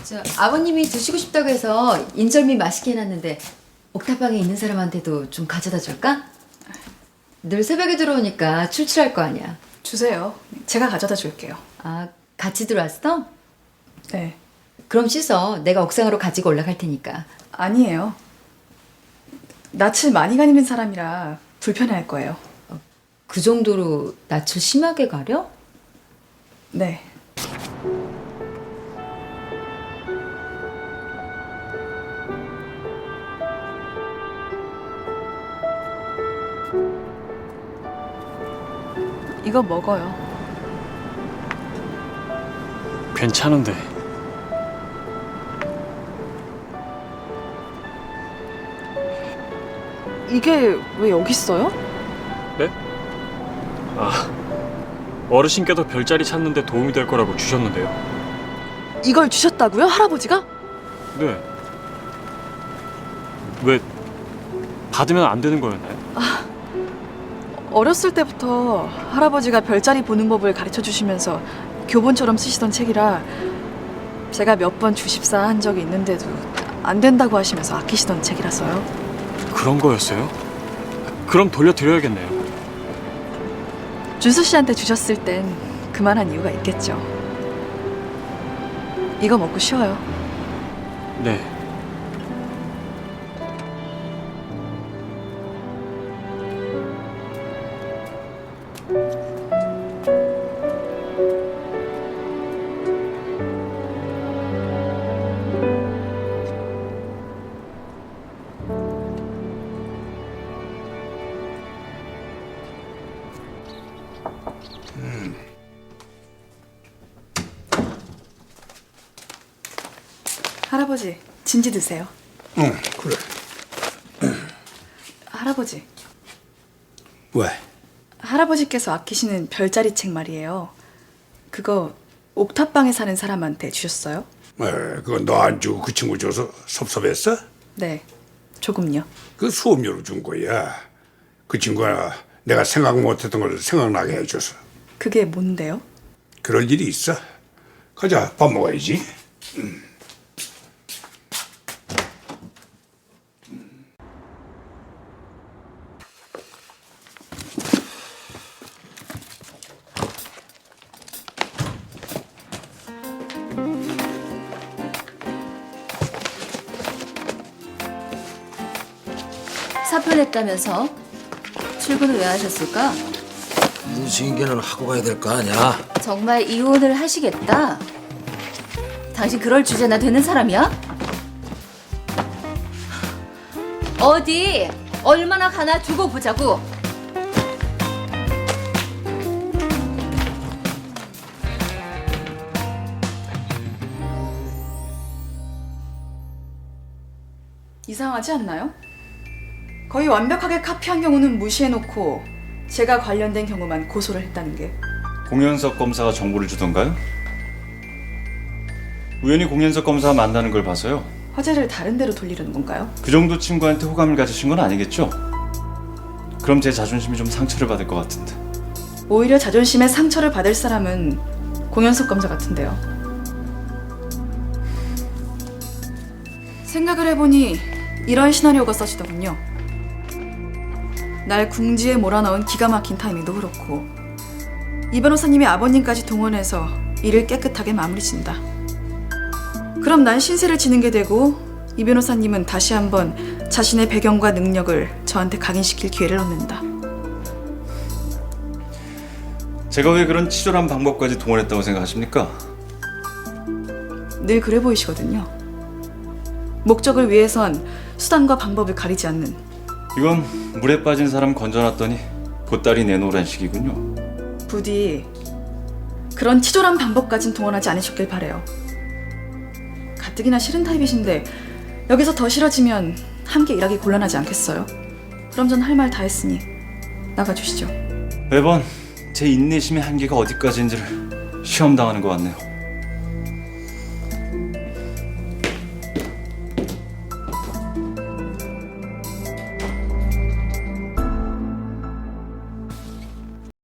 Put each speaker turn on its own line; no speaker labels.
아버님이 드시고 싶다고 해서 인절미 맛있게 해놨는데 옥탑방에 있는 사람한테도 좀 가져다 줄까? 늘 새벽에 들어오니까 출출할 거 아니야.
주세요. 제가 가져다 줄게요.
아, 같이 들어왔어?
네.
그럼 씻어. 내가 옥상으로 가지고 올라갈 테니까.
아니에요. 낯을 많이 가리는 사람이라 불편해할 거예요.
그 정도로 낯을 심하게 가려?
네. 이거 먹어요.
괜찮은데.
이게 왜 여기 있어요?
네? 아, 어르신께도 별자리 찾는데 도움이 될 거라고 주셨는데요.
이걸 주셨다고요? 할아버지가?
네. 왜 받으면 안 되는 거였나요?
어렸을 때부터 할아버지가 별자리 보는 법을 가르쳐 주시면서 교본처럼 쓰시던 책이라 제가 몇 번 주십사 한 적이 있는데도 안 된다고 하시면서 아끼시던 책이라서요.
그런 거였어요? 그럼 돌려드려야겠네요.
준수 씨한테 주셨을 땐 그만한 이유가 있겠죠. 이거 먹고 쉬어요.
네.
할아버지, 진지 드세요.
응, 그래.
할아버지,
왜?
할아버지께서 아끼시는 별자리 책 말이에요. 그거 옥탑방에 사는 사람한테 주셨어요?
그거 너 안 주고 그 친구 줘서 섭섭했어?
네, 조금요.
그 수업료로 준 거야. 그 친구가 내가 생각 못했던 걸 생각나게 해줘서.
그게 뭔데요?
그럴 일이 있어. 가자, 밥 먹어야지.
사표냈다면서? 출근을 왜 하셨을까?
인수인계는 하고 가야 될 거 아니야?
정말 이혼을 하시겠다? 당신 그럴 주제나 되는 사람이야? 어디 얼마나 가나 두고 보자고.
이상하지 않나요? 거의 완벽하게 카피한 경우는 무시해놓고 제가 관련된 경우만 고소를 했다는 게.
공현석 검사가 정보를 주던가요? 우연히 공현석 검사와 만나는 걸 봐서요.
화제를 다른 데로 돌리려는 건가요?
그 정도 친구한테 호감을 가지신 건 아니겠죠? 그럼 제 자존심이 좀 상처를 받을 것 같은데.
오히려 자존심에 상처를 받을 사람은 공현석 검사 같은데요. 생각을 해보니 이런 시나리오가 써지더군요. 날 궁지에 몰아넣은 기가 막힌 타이밍도 그렇고 이 변호사님이 아버님까지 동원해서 일을 깨끗하게 마무리 진다. 그럼 난 신세를 지는 게 되고 이 변호사님은 다시 한번 자신의 배경과 능력을 저한테 각인시킬 기회를 얻는다.
제가 왜 그런 치졸한 방법까지 동원했다고 생각하십니까?
늘 그래 보이시거든요. 목적을 위해선 수단과 방법을 가리지 않는.
이건 물에 빠진 사람 건져놨더니 보따리 내놓으란 식이군요.
부디 그런 치졸한 방법까진 동원하지 않으셨길 바래요. 가뜩이나 싫은 타입이신데 여기서 더 싫어지면 함께 일하기 곤란하지 않겠어요? 그럼 전 할 말 다 했으니 나가주시죠.
매번 제 인내심의 한계가 어디까지인지를 시험당하는 것 같네요.